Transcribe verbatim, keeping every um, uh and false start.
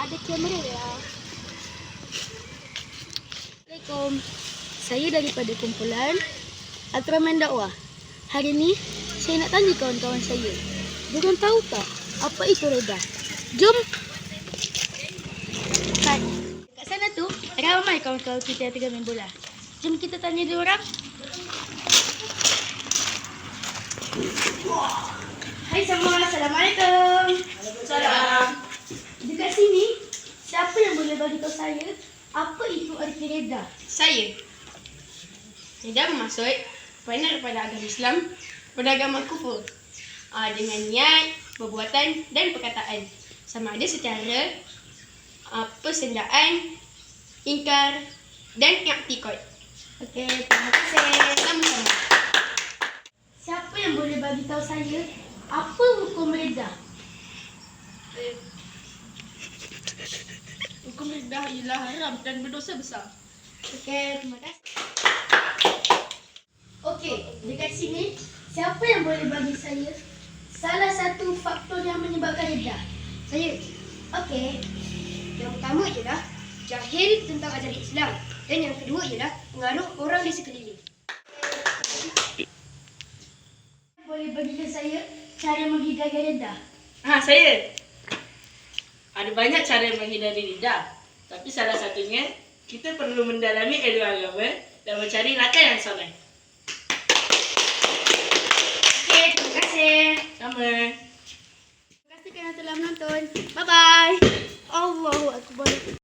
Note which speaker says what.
Speaker 1: ada kamera ya. Assalamualaikum. Saya daripada kumpulan Ultraman Dakwah. Hari ni saya nak tanya kawan-kawan saya. Diorang tahu tak apa itu reda? Jom. Kat, kat sana tu ramai kawan-kawan kita yang tengah main bola. Jom kita tanya diorang. Hai semua, Assalamualaikum.
Speaker 2: Waalaikumsalam.
Speaker 1: Dekat sini, siapa yang boleh bagi tahu saya apa itu arti reda?
Speaker 2: Saya. Reda bermaksud berpandangan kepada agama Islam, kepada agama kufur. Uh, dengan niat, perbuatan dan perkataan. Sama ada secara uh, persendaan, ingkar dan i'tikad.
Speaker 1: Okey, terima kasih.
Speaker 2: Sama-sama.
Speaker 1: Siapa yang boleh bagi tahu saya apa hukum reda?
Speaker 2: Eh, Hukum reda ialah haram dan berdosa besar.
Speaker 1: Okey, terima kasih. Okey, dekat sini siapa yang boleh bagi saya salah satu faktor yang menyebabkan reda?
Speaker 3: Saya.
Speaker 1: Okey.
Speaker 3: Yang pertama ialah jahil tentang ajaran Islam. Dan yang kedua ialah pengaruh orang di sekeliling.
Speaker 1: Boleh bagi tahu saya cara menghindari reda?
Speaker 4: Ha, saya. Ada banyak cara menghindari lidah. Tapi salah satunya, kita perlu mendalami ilmu agama dan mencari langkah yang soleh.
Speaker 1: Okey, terima kasih.
Speaker 4: Sama.
Speaker 1: Terima kasih kerana telah menonton. Bye-bye. Allahu Akbar.